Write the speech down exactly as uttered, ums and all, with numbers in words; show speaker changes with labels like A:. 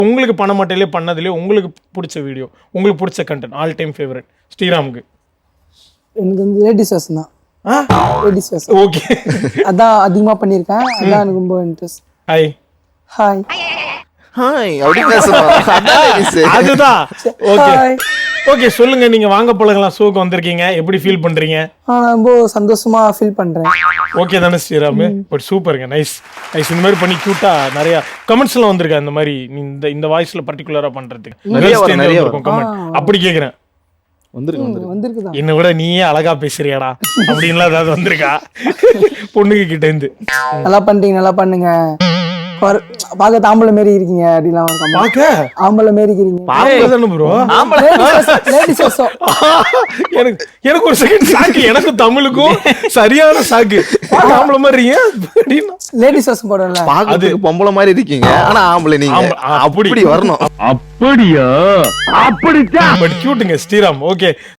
A: உங்களுக்கு பண்ண மாட்டேலே பண்ணதுலேயே உங்களுக்கு பிடிச்ச வீடியோ, உங்களுக்கு பிடிச்ச கண்டென்ட், ஆல் டைம் ஃபேவரட் ஸ்ரீராமுக்கு?
B: எனக்கு வந்து லேடிஸ் வேஷம் தான். லேடிஸ் வேஷம்.
A: ஓகே,
B: அதான் அதிகமாக பண்ணியிருக்கேன். அதான் எனக்கு ரொம்ப இன்ட்ரெஸ்ட்.
A: ஹாய்
B: ஹாய்
C: ஹாய் அப்படி பேசணும். அதான் ladies.
A: அதுதான். Okay
B: hi.
A: ஓகே, சொல்லுங்க, நீங்க வாங்க போலங்கலாம் ஷோக்கு வந்திருக்கீங்க, எப்படி ஃபீல் பண்றீங்க?
B: நான் ரொம்ப சந்தோஷமா ஃபீல் பண்றேன்.
A: ஓகே தானே ஸ்ரீராம்? பட் சூப்பருங்க, நைஸ் நைஸ். இந்த மாதிரி பண்ணி கியூட்டா நிறைய கமெண்ட்ஸ் எல்லாம் வந்திருக்கா இந்த மாதிரி நீ இந்த இந்த வாய்ஸ்ல பர்டிகுலரா பண்றதுக்கு
C: நிறைய வரும், நிறைய
A: வரும் கமெண்ட். அப்படி கேக்குறேன்.
C: வந்துருக்கு வந்துருக்கு.
B: வந்திருக்குதான்.
A: என்னை விட நீயே அழகா பேசுறியாடா அப்படின்லாம் ஏதாவது வந்திருக்கா பொண்ணுங்க கிட்ட இருந்து?
B: நல்லா பண்றீங்க, நல்லா பண்ணுங்க, பாக்க ஆம்பளை மாரி இருக்கீங்க அப்படிலாம் ஒரு comment.
A: பாக்க
B: ஆம்பளை மாரி இருக்கீங்க.
A: பாக்கதானே ப்ரோ?
B: லேடிஸ் வேஷம்.
A: எனக்கு எனக்கு ஒரு செகண்ட் சாக்கு, எனக்கு தமிழுக்கும் சரியான சாக்கு. ஆம்பளை மாதிரி அப்படின்னு
B: லேடிஸ் வேஷம் போடல.
C: பாக்கிறதுக்கு பொம்பளை மாதிரி இருக்கீங்க, ஆனா ஆம்பளை நீங்க.
A: ஆமா, அப்படி.
C: அப்படி வரணும்.
D: அப்படியா? அப்படித்தான்.
A: பட் கியூட்டுங்க ஸ்ரீராம். ஓகே.